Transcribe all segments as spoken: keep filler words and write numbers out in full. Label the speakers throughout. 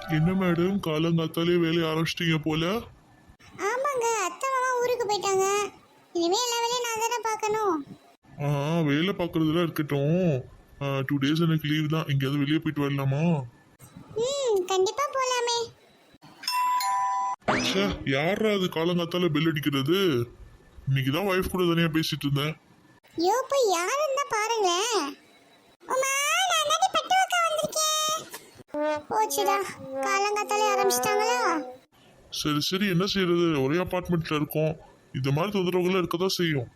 Speaker 1: என்ன மேடம் காலங்காத்தாலே வேலையை ஆரம்பிச்சிட்டீங்க போல?
Speaker 2: ஆமாங்க, அத்தை மாமா ஊருக்கு போயிட்டாங்க. இனிமே எல்லா வேலையும் நான் தானே பார்க்கணும்.
Speaker 1: ஆ வேலை பார்க்குறதுலாம் இருக்கட்டும். டூ டேஸ் எனக்கு லீவ் தான். எங்கேயாவது வெளியே போயிட்டு வரலாமா?
Speaker 2: ம் கண்டிப்பா போலாமே.
Speaker 1: ச்சே, யாரா அது காலங்காத்தால பெல் அடிக்கிறது? இன்னைக்கு தான் ஒய்ஃப் கூட தனியாக பேசிட்டு இருந்தேன்.
Speaker 2: யோ போய் யாருன்னு தான் பாருங்களேன். உமா நான் தான் பட்டு வைக்க வந்திருக்கேன். போச்சுடா, காலங்காத்தாலே ஆரம்பிச்சிட்டாங்களா?
Speaker 1: சரி சரி, என்ன செய்யறது, ஒரே அப்பார்ட்மெண்ட்ல இருக்கோம். இந்த மாதிரி தொந்தரவுகள் இருக்கதான் செய்யும்.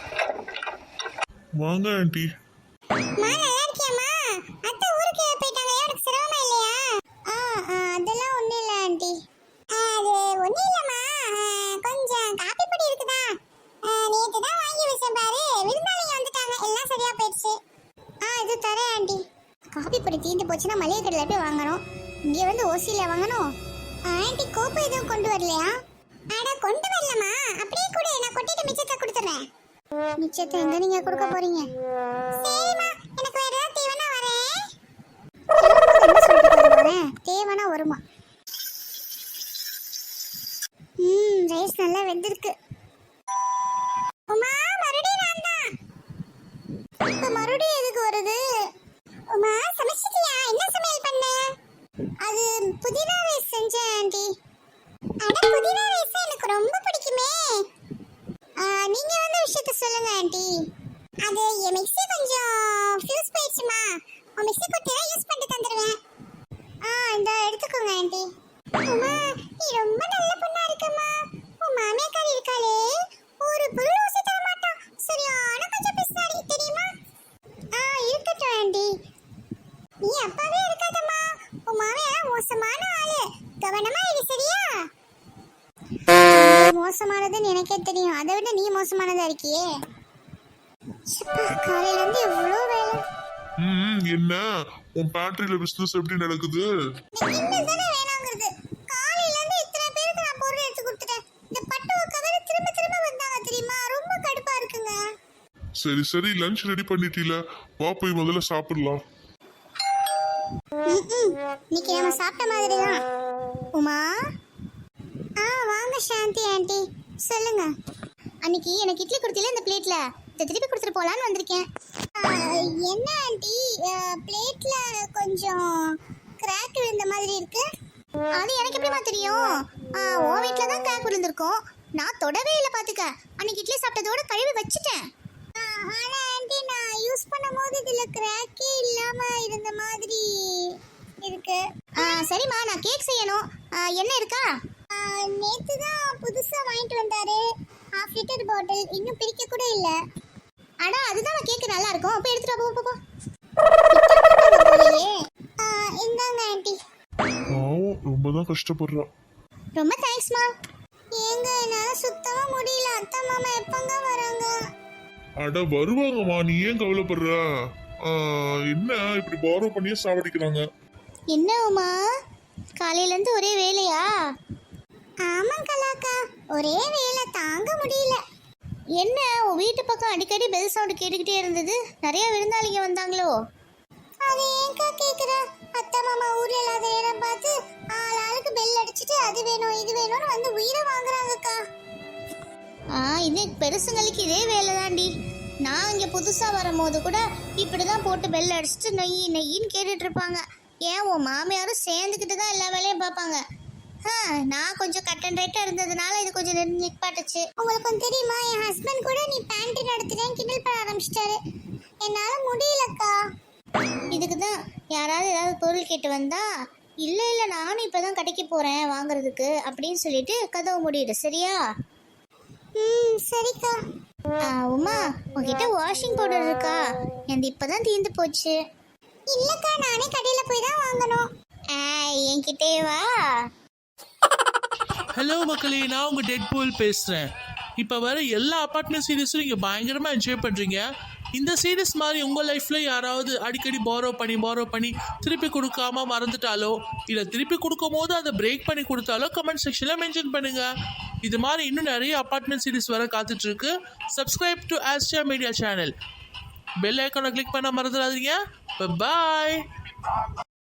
Speaker 1: வாங்க ஆண்டி.
Speaker 2: மா நல்லா இருக்கியாம்மா? அத்தை ஊருக்கு போயிட்டாங்க, எனக்கு சிரமமா இல்லையா? ஆ அதெல்லாம் ஒண்ணும் இல்லை ஆண்டி. அது ஒண்ணும் இல்லைம்மா, கொஞ்சம் காப்பி பொடி இருக்குதா, நேற்று தான் வாங்கி வச்சேன் பாரு, விருந்தாளிங்க வந்துட்டாங்க, எல்லாம் சரியா போயிடுச்சு. ஆ இது தரேன் ஆண்டி. காப்பி பொடி தீந்து போச்சுன்னா மளிகை கடையில் போய் வாங்கணும், இங்கே வந்து ஓசியில் வாங்கணும். ஆண்டி கோப்பை எதுவும் கொண்டு வரலையா? அட கொண்டு வரலம்மா, அப்படியே கூட நான் கொட்டிட்டு மிச்சத்தை கொடுத்துறேன். மிச்சத்தை எங்க நீங்க கொடுக்க போறீங்க? சரிம்மா, எனக்கு வேற ஏதாவது தேவைன்னா வரேன். என்ன சொல்லிட்டு வரேன், தேவைன்னா வருமா? ம் ரைஸ் நல்லா வெந்திருக்கு. உமா மறுபடியும் நான் தான். இப்ப மறுபடியும் எதுக்கு வருது? உமா சமைச்சிட்டியா? என்ன சமையல் பண்ண? அது புதினா ரைஸ் செஞ்சேன் ஆண்டி. அட புதினா ரைஸ் எனக்கு ரொம்ப பிடிக்குமே. நீங்க வந்து விஷயத்தை சொல்லுங்க ஆண்டி. அது என் மிக்ஸி கொஞ்சம் ஃபியூஸ் போயிடுச்சுமா, உன் மிக்ஸி குட்டியை யூஸ் பண்ணிட்டு தந்துடுவேன். ஆ இந்த எடுத்துக்கோங்க ஆண்டி. உமா நீ ரொம்ப நல்ல பொண்ணா இருக்கம்மா. உன் மாமியாக்காரி இருக்காளே, ஒரு பொருள் ஊசி தர மாட்டான், சரியான கொஞ்சம் பிஸ்னாடி தெரியுமா? ஆ இருக்கட்டும் ஆண்டி, நீ அப்பாவே இருக்காதம்மா. உன் மாமியார் மோசமான ஆளு, கவனமா இரு சரியா? மோசமானதுன்னு எனக்கே தெரியும், அதை விட நீ மோசமானதா இருக்கியே. காலையில இருந்து எவ்வளவு வேலை.
Speaker 1: ம் என்ன உன் பேண்ட்ரியில பிசினஸ் எப்படி நடக்குது?
Speaker 2: இன்னதானே வேணாங்கிறது. காலையில இருந்து இத்தனை பேருக்கு நான் பொருள் எடுத்து கொடுத்துட்டேன். இந்த பட்டுவ கவர் திரும்ப திரும்ப வந்தாங்க தெரியுமா, ரொம்ப கடுப்பா இருக்குங்க.
Speaker 1: சரி சரி, லஞ்ச் ரெடி பண்ணிட்டீல, வா போய் முதல்ல சாப்பிடலாம்.
Speaker 2: இன்னைக்கு நம்ம சாப்பிட்ட மாதிரி தான். உமா ஆ வாங்க சாந்தி ஆண்டி சொல்லுங்க. அன்னைக்கு எனக்கு இட்லி கொடுத்தீல இந்த பிளேட்ல, இதை திருப்பி கொடுத்துட்டு போலான்னு வந்திருக்கேன். என்ன ஆண்டி பிளேட்ல கொஞ்சம் கிராக் விழுந்த மாதிரி இருக்கு? அது எனக்கு எப்படிமா தெரியும்? உன் வீட்டில் தான் கிராக் விழுந்திருக்கும், நான் தொடவே இல்லை பார்த்துக்க. அன்னைக்கு இட்லி சாப்பிட்டதோட கழுவி வச்சுட்டேன். ஆனால் ஆண்டி நான் யூஸ் பண்ணும்போது இதில் கிராக்கே இல்லாமல் இருந்த மாதிரி இருக்கு. சரிம்மா, நான் கேக் செய்யணும், என்ன இருக்கா? நேத்து தான் புதுசா வாங்கிட்டு வந்தாரு, ஹாஃப் லிட்டர் பாட்டில், இன்னும் பிரிக்க கூட இல்ல. அட அதுதான் கேக் நல்லா இருக்கும், அப்ப எடுத்துட்டு போ போ போ. இந்தாங்க ஆண்டி.
Speaker 1: பாவம், ரொம்ப தான் கஷ்டப்படுறா.
Speaker 2: ரொம்ப தேங்க்ஸ்மா. ஏங்க என்னால சுத்தமா முடியல, அத்தை மாமா எப்பங்க வராங்க?
Speaker 1: அட வருவாங்கம்மா, நீ ஏன் கவலைப்படுற? என்ன இப்படி பாரோ பண்ணியே சாவடிக்கிறாங்க?
Speaker 2: என்ன உமா காலையில இருந்து ஒரே வேலையா? ஆமாம் கலாக்கா, ஒரே வேலை, தாங்க முடியல. என்ன உன் வீட்டு பக்கம் அடிக்கடி பெல் சவுண்ட் கேட்டுக்கிட்டே இருந்தது, நிறைய விருந்தாளிங்க வந்தாங்களோ? அது ஏன்க்கா கேட்குற? அத்தை மாமா ஊர்ல இல்லாத நேரம் பார்த்து ஆள் ஆளுக்கு பெல் அடிச்சுட்டு அது வேணும் இது வேணும்னு வந்து உயிரை வாங்குறாங்கக்கா. ஆ இது பெருசுங்களுக்கு இதே வேலை தாண்டி. நான் இங்கே புதுசாக வரும்போது கூட இப்படி தான் போட்டு பெல் அடிச்சுட்டு நெய் நெய்யின்னு கேட்டுட்டு இருப்பாங்க. ஏன் உன் மாமியாரும் சேர்ந்துக்கிட்டு தான் எல்லா வேலையும் பார்ப்பாங்க. நான் கொஞ்சம் கட் அண்ட் ரைட்டாக இருந்ததுனால இது கொஞ்சம் நிற்பாட்டுச்சு. உங்களுக்கு கொஞ்சம் தெரியுமா, என் ஹஸ்பண்ட் கூட நீ பேண்ட்ரி நடத்துறேன் கிண்டல் பண்ண ஆரம்பிச்சிட்டாரு. என்னால் முடியலக்கா. இதுக்கு தான் யாராவது ஏதாவது பொருள் கேட்டு வந்தா இல்லை இல்லை நானும் இப்போ தான் கடைக்கு போகிறேன் வாங்குறதுக்கு அப்படின்னு சொல்லிட்டு கதவு முடியுது சரியா? ம் சரிக்கா. உமா உங்ககிட்ட வாஷிங் பவுடர் இருக்கா? எனக்கு இப்போ தான் தீர்ந்து போச்சு. இல்லைக்கா, நானே கடையில் போய் தான் வாங்கணும். என்கிட்டே வா.
Speaker 3: ஹலோ மக்களே, நான் உங்கள் டெட்பூல் பேசுகிறேன். இப்போ வர எல்லா அப்பார்ட்மெண்ட் சீரீஸும் நீங்கள் பயங்கரமாக என்ஜாய் பண்ணுறீங்க. இந்த சீரீஸ் மாதிரி உங்கள் லைஃப்பில் யாராவது அடிக்கடி பாரோ பண்ணி பாரோ பண்ணி திருப்பி கொடுக்காம மறந்துட்டாலோ இல்லை திருப்பி கொடுக்கும் போது அதை பிரேக் பண்ணி கொடுத்தாலோ கமெண்ட் செக்ஷனில் மென்ஷன் பண்ணுங்கள். இது மாதிரி இன்னும் நிறைய அப்பார்ட்மெண்ட் சீரீஸ் வர காத்துட்ருக்கு. Subscribe to Austria media channel. Bell ஐக்கானை கிளிக் பண்ண மறந்துடாதீங்க. பாய்.